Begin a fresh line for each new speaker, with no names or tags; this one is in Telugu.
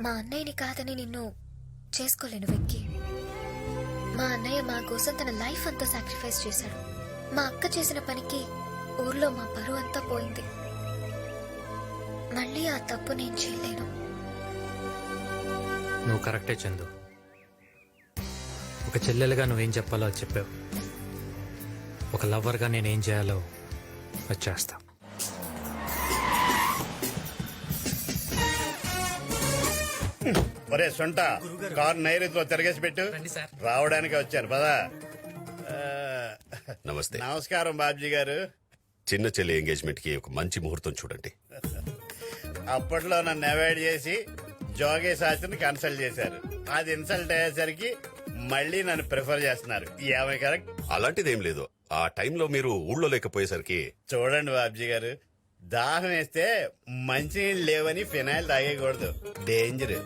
మా అన్నయ్యని కాదని నిన్ను చేసుకోలేను వెక్కి. మా అన్నయ్య మా కోసం తన లైఫ్ అంతా సాక్రిఫైస్ చేశాడు. మా అక్క చేసిన పనికి ఊర్లో మా పరువు అంతా పోయింది. మళ్ళీ ఆ తప్పు నేను చేయలేను.
నువ్వు కరెక్టే చందు. ఒక చెల్లెలుగా నువ్వేం చెప్పాలో అది చెప్పావు. ఒక లవర్గా నేనేం చేయాలో అది చేస్తా.
ఒరే సొంట, కారు నైరుతిలో తిరగేసి పెట్టు. రావడానికి వచ్చాను పదా.
నమస్తే.
నమస్కారం బాబ్జీ గారు.
చిన్న చెల్లి ఎంగేజ్మెంట్ కి ఒక మంచి ముహూర్తం చూడండి.
అప్పట్లో నన్ను అవాయిడ్ చేసి జోగే శాస్త్రిని కన్సల్ట్ చేశారు. అది ఇన్సల్ట్ అయ్యేసరికి మళ్ళీ నన్ను ప్రిఫర్ చేస్తున్నారు. ఏమై కరెక్ట్?
అలాంటిదేం లేదు. ఆ టైంలో మీరు ఊళ్ళో లేకపోయేసరికి.
చూడండి బాబ్జీ గారు, దాహం వేస్తే మంచినీళ్ళు లేవని ఫినాయిల్ తాగేయకూడదు, డేంజర్.